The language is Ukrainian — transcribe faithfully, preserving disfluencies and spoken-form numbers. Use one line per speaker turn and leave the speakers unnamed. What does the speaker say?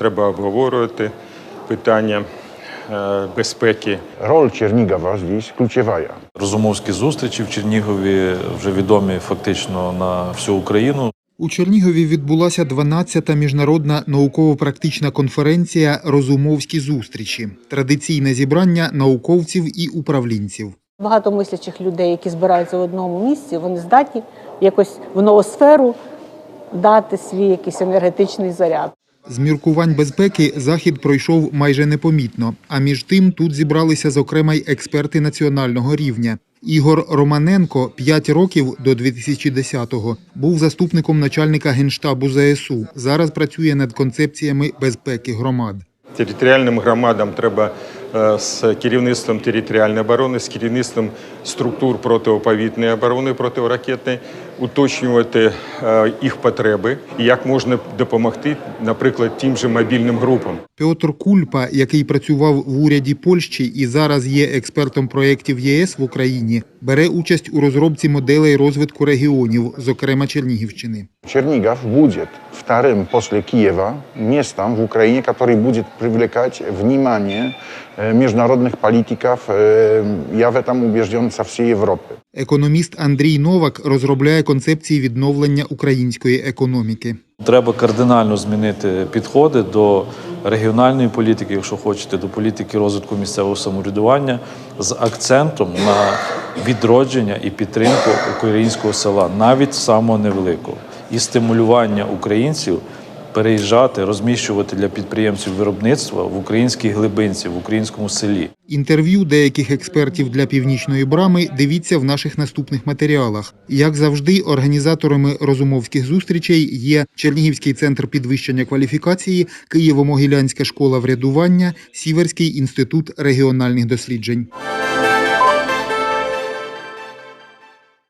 треба обговорювати питання безпеки.
Роль Чернігова здесь ключовая.
Розумовські зустрічі в Чернігові вже відомі фактично на всю Україну.
У Чернігові відбулася дванадцята міжнародна науково-практична конференція «Розумовські зустрічі» – традиційне зібрання науковців і управлінців.
Багато мислячих людей, які збираються в одному місці, вони здатні якось в ноосферу дати свій якийсь енергетичний заряд.
З міркувань безпеки захід пройшов майже непомітно, а між тим тут зібралися, зокрема, й експерти національного рівня. Ігор Романенко п'ять років до дві тисячі десятого був заступником начальника Генштабу ЗСУ. Зараз працює над концепціями безпеки громад.
Територіальним громадам треба з керівництвом територіальної оборони, з керівництвом структур протиповітряної оборони, протиракетної, уточнювати їх потреби і як можна допомогти, наприклад, тим же мобільним групам.
Петр Кульпа, який працював в уряді Польщі і зараз є експертом проєктів ЄС в Україні, бере участь у розробці моделей розвитку регіонів, зокрема Чернігівщини.
Чернигов будет вторым после Киева местом в Украине, который будет привлекать внимание международных политиков, я в этом убежден, со всей Европы.
Економіст Андрій Новак розробляє концепції відновлення української економіки.
Треба кардинально змінити підходи до регіональної політики, якщо хочете, до політики розвитку місцевого самоврядування з акцентом на відродження і підтримку українського села, навіть самого невеликого, і стимулювання українців переїжджати, розміщувати для підприємців виробництва в українській глибинці, в українському селі.
Інтерв'ю деяких експертів для «Північної брами» дивіться в наших наступних матеріалах. Як завжди, організаторами розумовських зустрічей є Чернігівський центр підвищення кваліфікації, Києво-Могилянська школа врядування, Сіверський інститут регіональних досліджень.